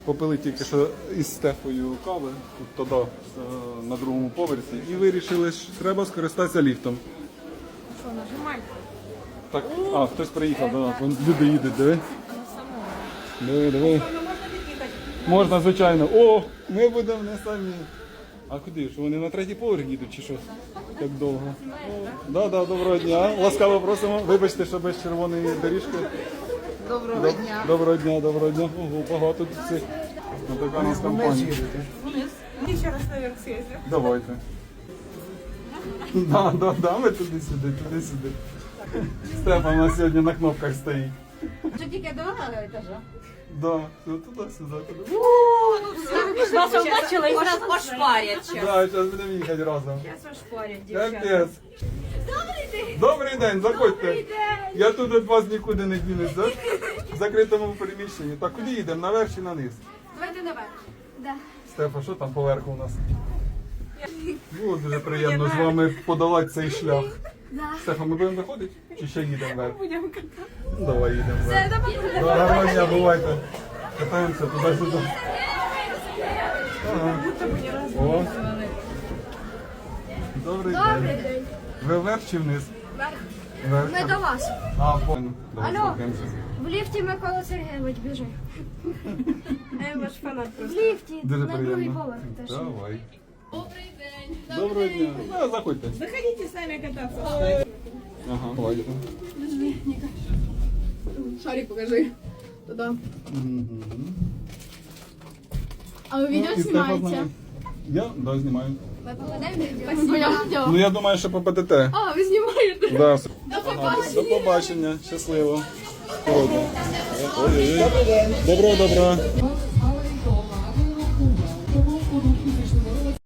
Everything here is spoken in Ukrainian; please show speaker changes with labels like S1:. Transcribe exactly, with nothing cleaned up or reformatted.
S1: Попили тільки що із Стефою кави, тут тоді, на другому поверсі, і вирішили, що треба скористатися ліфтом.
S2: Що, нажимай?
S1: Так, а, хтось приїхав до нас, вон люди їдуть, диви. Диви, диви. Можна, звичайно. О, ми будемо не самі. А куди? Що вони на третій поверх їдуть чи що? Так довго. Да, да, доброго дня. Ласкаво просимо. Вибачте, що без червоної доріжки.
S2: Доброго
S1: Доб-
S2: дня.
S1: Доброго дня, доброго дня. Ого, багато тут цих. Ну, така у нас компанія.
S2: Мені ще раз наверх съездив.
S1: Давайте. Да, да, да, ми туди-сюди, туди-сюди. Стефан у нас сьогодні на кнопках стоїть.
S2: Що тільки до етажа?
S1: Да, туди-сюди, туди.
S2: Вас побачила і зараз ошпарять.
S1: Да, зараз будемо їхати разом.
S2: Зараз ошпарять, дівчата.
S1: Капець. Добрий день, заходьте. Я тут від вас нікуди не дінусь, да? В закритому приміщенні. Так, куди їдемо? Наверх чи наниз?
S2: Давайте наверх. Да.
S1: Стефа, що там поверху у нас? Було дуже приємно з вами подолати цей шлях. Стефа, ми будемо виходити? Чи ще їдемо вверх?
S2: Будемо катати.
S1: Ну, давай їдемо
S2: Все,
S1: вверх.
S2: давай.
S1: Гарного дня, бувайте. Катаємося туди-сюди. Ага. О. Добрий день. Ви вверх чи вниз? Вверх.
S3: Ми до вас.
S1: А, понял. Давай
S3: Алло.
S1: спілкуємося.
S3: В ліфті Микола Сергійович біжи.
S2: Я ваш фанат
S3: В
S2: просто.
S3: ліфті
S1: Дуже
S3: на другий
S1: приємно.
S3: поверх теж.
S1: Давай. Добрий день. Доброго дня. Ну, заходьте.
S2: Заходите самі кататися.
S1: Ага, давайте.
S2: Шарик покажи. Туда.
S3: А ви відео
S1: І Стефа
S3: знімаєте?
S1: знає. Я? Да, знімаю.
S3: Ви попадете в відео?
S1: Ну, я думаю, що попадете.
S3: А, ви знімаєте?
S1: Да. Ага, до побачення. Щасливо. Сьогодні. Ой-ой-ой. Доброго, доброго.